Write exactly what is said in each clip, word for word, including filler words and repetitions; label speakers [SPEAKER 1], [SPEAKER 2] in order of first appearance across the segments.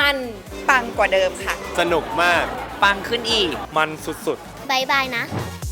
[SPEAKER 1] มันปังกว่าเดิมค่ะ
[SPEAKER 2] สนุกมาก
[SPEAKER 3] ปังขึ้นอีก
[SPEAKER 2] มันสุด
[SPEAKER 4] ๆบายบายนะ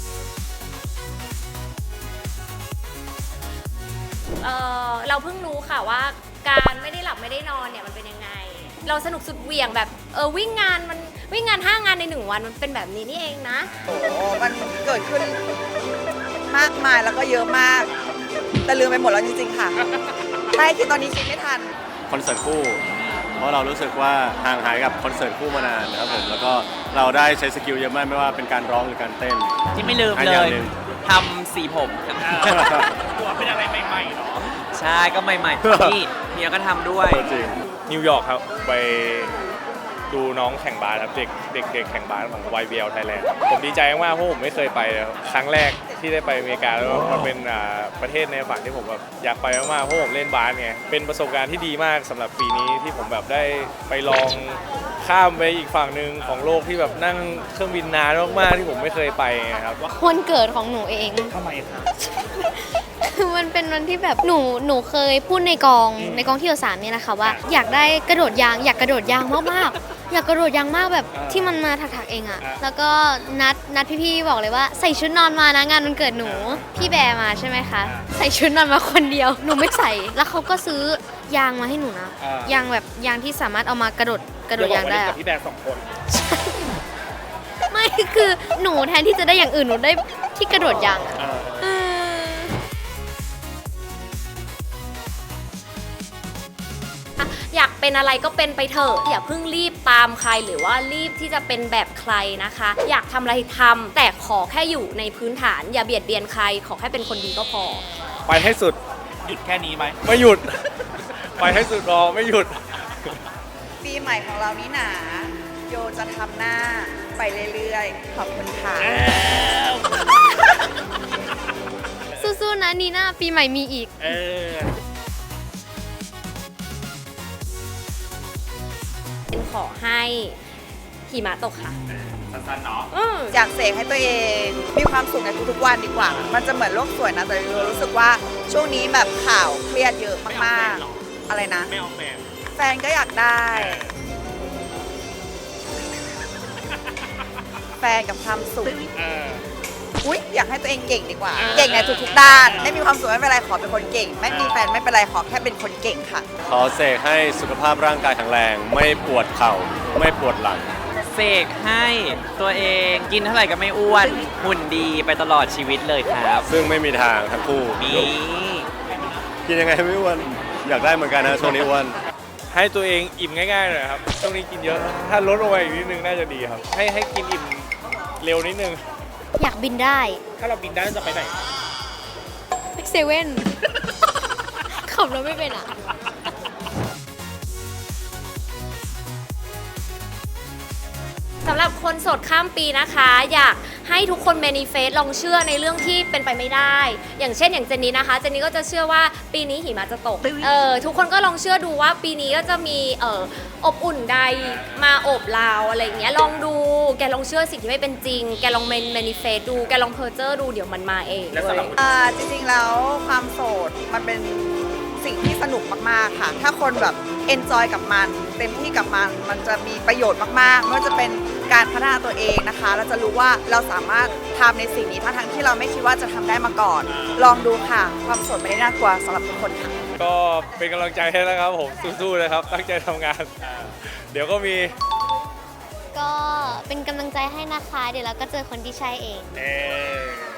[SPEAKER 1] เออเราเพิ่งรู้ค่ะว่าการไม่ได้หลับไม่ได้นอนเนี่ยมันเป็นยังไงเราสนุกสุดเหวี่ยงแบบเออวิ่งงานมันวิ่งงานห้างานในหนึ่งวันมันเป็นแบบนี้นี่เองนะ
[SPEAKER 5] โอ้มันเกิดขึ้นมากมายแล้วก็เยอะมากแต่ลืมไปหมดแล้วจริงๆค่ะไม่คิดตอนนี้คิดไม่ทัน
[SPEAKER 2] คอนเสิร์ตคู่เพราะเรารู้สึกว่าห่างหายกับคอนเสิร์ตคู่มานานนะครับผมแล้วก็เราได้ใช้สกิลเยอะมากไม่ว่าเป็นการร้องหรือการเต้น
[SPEAKER 3] ที่ไม่ลืมเลยทำสีผม
[SPEAKER 6] ตัวเป็นอะไรใหม่ๆเนาะ
[SPEAKER 3] ใช่ก็ใหม่ๆที่เมียก็ทำด้วย
[SPEAKER 2] จริง
[SPEAKER 6] นิวยอร์กครับไปดูน้องแข่งบาสครับเด็กเด็กเด็กแข่งบาสของ วาย บี แอล Thailand ผมดีใจมากเพราะผมไม่เคยไปครั้งแรกที่ได้ไปอเมริกาแล้วมันเป็นประเทศในฝันที่ผมแบบอยากไปมากๆเพราะผมเล่นบาสไงเป็นประสบการณ์ที่ดีมากสำหรับปีนี้ที่ผมแบบได้ไปลองข้ามไปอีกฝั่งหนึ่งของโลกที่แบบนั่งเครื่องบินนานมากๆที่ผมไม่เคยไปครับ
[SPEAKER 4] วันเกิดของหนูเอง
[SPEAKER 6] ทำไมครับ
[SPEAKER 4] คือมันเป็นวันที่แบบหนูหนูเคยพูดในกองในกองที่อยู่สามเนี่ยนะคะว่าอยากได้กระโดดยางอยากกระโดดยางมากๆอยากกระโดดยางมากแบบที่มันมาถักๆเองอะแล้วก็นัดนัดพี่ๆบอกเลยว่าใส่ชุดนอนมานะงานวันเกิดหนูพี่แบร์มาใช่ไหมคะใส่ชุดนอนมาคนเดียวหนูไม่ใส่แล้วเขาก็ซื้อยางมาให้หนูนะยางแบบยางที่สามารถเอามากระโดดกระโดดยางได้
[SPEAKER 6] กับพี่แบร์สองคน
[SPEAKER 4] ไม่คือหนูแทนที่จะได้อย่างอื่นหนูได้ที่กระโดดยาง
[SPEAKER 1] อยากเป็นอะไรก็เป็นไปเถอะอย่าเพิ่งรีบตามใครหรือว่ารีบที่จะเป็นแบบใครนะคะอยากทำอะไรทำแต่ขอแค่อยู่ในพื้นฐานอย่าเบียดเบียนใครขอแค่เป็นคนดีก็พอ
[SPEAKER 6] ไปให้สุดหยุดแค่นี้ไหมไม่หยุดไปให้สุดรอไม่หยุด
[SPEAKER 5] ปีใหม่ของเรานี่หนาโยจะทำหน้าไปเรื่อยๆขอบคุณค่ะ
[SPEAKER 4] สู้ๆนะนีน่าปีใหม่มีอีก
[SPEAKER 6] เออ
[SPEAKER 1] ขอให้หิมะตกค่ะ
[SPEAKER 6] สั้นๆเนาะ
[SPEAKER 5] อยากเสกให้ตัวเองมีความสุขในทุกๆวันดีกว่ามันจะเหมือนโลกสวยนะแต่รู้สึกว่าช่วงนี้แบบข่าวเครียดเยอะมากๆอะไรนะ
[SPEAKER 6] ไม่เอาแฟน
[SPEAKER 5] แฟนก็อยากได้แฟนกับความสุขอุ๊ยอยากให้ตัวเองเก่งดีกว่าเก่งในทุกๆด้านไม่มีความสุขไม่เป็นไรขอเป็นคนเก่งไม่มีแฟนไม่เป็นไรขอแค่เป็นคนเก่งค่ะ
[SPEAKER 2] ขอเสกให้สุขภาพร่างกายแข็งแรงไม่ปวดเข่าไม่ปวดหลัง
[SPEAKER 3] เสกให้ตัวเองกินเท่าไหร่ก็ไม่อ้วนหุ่นดีไปตลอดชีวิตเลยครับ
[SPEAKER 2] ซึ่งไม่มีทางทั้งคู่
[SPEAKER 3] มี
[SPEAKER 2] กินยังไงไม่อ้วนอยากได้เหมือนกันนะช่วงนี้อ้วน
[SPEAKER 6] ให้ตัวเองอิ่มง่ายๆหน่อยครับช่วงนี้กินเยอะถ้าลดลงไปอีกนิดนึงน่าจะดีครับให้ให้กินอิ่มเร็วนิดนึง
[SPEAKER 4] อยากบินได้
[SPEAKER 6] ถ้าเราบินได้จะไปไหน
[SPEAKER 4] ไปเซเว่นขับรถไม่เป็นอ่ะ
[SPEAKER 1] สำหรับคนโสดข้ามปีนะคะอยากให้ทุกคนแมนิเฟสลองเชื่อในเรื่องที่เป็นไปไม่ได้อย่างเช่นอย่างเจนนี่นะคะเจนนี่ก็จะเชื่อว่าปีนี้หิมะจะตกเออทุกคนก็ลองเชื่อดูว่าปีนี้ก็จะมีเอ่ออบอุ่นใดมาโอบเราอะไรอย่างเงี้ยลองดูแกลองเชื่อสิ่งที่ไม่เป็นจริงแกลองแมนิเฟสดูแกลองเพอร์เจอร์ดูเดี๋ยวมันมาเองเลย
[SPEAKER 5] อ่าจริงๆแล้วความโสดมันเป็นสิ่งที่สนุกมากๆค่ะถ้าคนแบบเอนจอยกับมันเต็มที่กับมันมันจะมีประโยชน์มากๆไม่ว่าจะเป็นการพัฒนาตัวเองนะคะเราจะรู้ว่าเราสามารถทำในสิ่งนี้ทั้งๆที่เราไม่คิดว่าจะทำได้มาก่อนลองดูค่ะความโสดไม่ได้น่ากลัวสำหรับทุกคนค่ะ
[SPEAKER 6] ก็เป็นกำลังใจให้นะครับผมสู้ๆนะครับตั้งใจทำงานเดี๋ยวก็มี
[SPEAKER 4] ก็เป็นกำลังใจให้นะคะเดี๋ยวเราก็เจอคนที่ใช่เอง
[SPEAKER 6] เออ